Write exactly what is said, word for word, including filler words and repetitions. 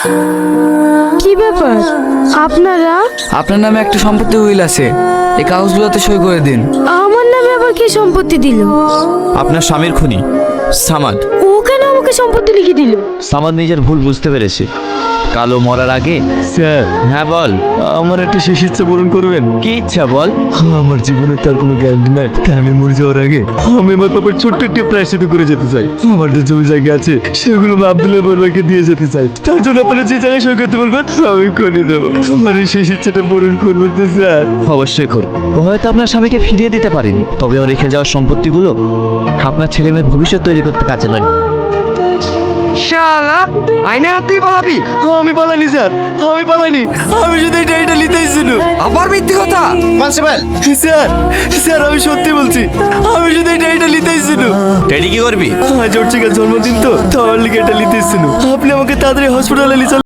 কি ব্যাপার আপনারা? আপনার নামে একটা সম্পত্তি উইল আছে, এই কাগজগুলোতে সই করে দিন। আমার নামে আবার কি সম্পত্তি দিল? আপনার স্বামীর খুনি সামাদ। ও কেন আমাকে সম্পত্তি লিখে দিল? সামাদ নিজের ভুল বুঝতে পেরেছে। কালো মরার আগে। স্যার, হ্যাঁ বল। আমার একটা শেষ ইচ্ছা পূরণ করবেন? কি ইচ্ছা বল। আমার জীবনের তার কোনো গ্যারান্টি নাই, তাই আমি মরে যাওয়ার আগে আমি আমার বাবার ছোট্ট একটি প্রায়শ্চিত করে যেতে চাই। আমার যে জমি জায়গা আছে সেগুলো আমি আব্দুল্লাহ বড়ুয়াকে দিয়ে যেতে চাই। তার জন্য আপনারা যে জায়গায় সই করতে বলবেন আমি করে দেবো। আমার এই শেষ ইচ্ছাটা পূরণ করবেন তো স্যার? অবশ্যই করুন। ও হয়তো আপনার স্বামীকে ফিরিয়ে দিতে পারেনি, তবে ও রেখে যাওয়ার সম্পত্তিগুলো আপনার ছেলে মেয়ের ভবিষ্যৎ তৈরি করতে কাজে লাগে। শালা আইনে হাতেই পালাবি? আমি পালাইনি স্যার, আমি পালাইনি। আমি শুধু এটা এটা নিতেই ছিল। আবার মিথ্যে কথা। কনস্টেবল, স্যার, স্যার আমি সত্যি বলছি, আমি শুধু এটা এটা নিতেই ছিল। টেডি কি করবি? আজ ওর জন্মদিন তো, তো আমার লিগে এটা নিতেই ছিল। আপনি আমাকে তাড়াতাড়ি হসপিটালে নিয়ে চলেন।